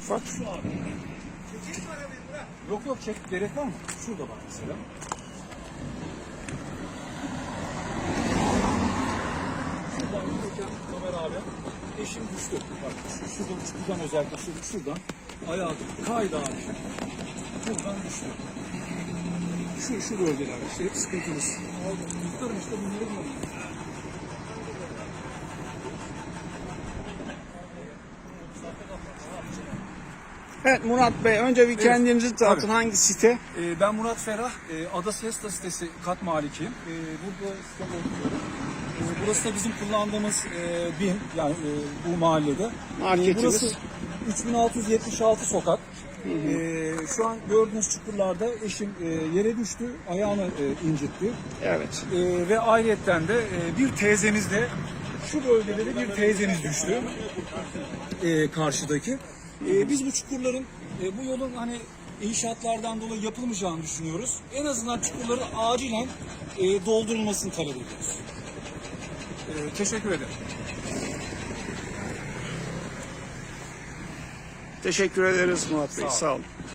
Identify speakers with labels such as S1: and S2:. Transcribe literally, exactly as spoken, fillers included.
S1: ufak.
S2: Şu abi. Yok yok çek gerek var mı? Şurada bak mesela. Şuradan giderken Ömer abi eşim düştü. Bak şu, şuradan, şuradan özellikle şuradan, şuradan ayağı kaydı abi. Buradan düştü. Şu, şu bölgeler işte hep sıkıntımız. Tutarım işte bunları bulalım.
S1: Evet Murat Bey, önce bir kendinizi tanıtın.
S2: tabii.
S1: Hangi site?
S2: Ee, ben Murat Ferah, e, Ada Siesta sitesi kat malikiyim. E, burada sitede oturuyorum. E, burası da bizim kullandığımız e, bin, yani e, bu mahallede.
S1: Marketimiz.
S2: E, burası üç bin altı yüz yetmiş altı sokak. E, şu an gördüğünüz çukurlarda eşim e, yere düştü, ayağını e, incitti.
S1: Evet.
S2: E, ve ayrıyetten de e, bir teyzemiz de şu bölgede de bir teyzemiz düştü. E, karşıdaki. E, biz bu çukurların, e, bu yolun hani inşaatlardan dolayı yapılmayacağını düşünüyoruz. En azından çukurların acilen e, doldurulmasını talep ediyoruz. E, teşekkür ederim.
S1: Teşekkür ederiz Murat Bey.
S2: Sağ olun.
S1: Sağ olun.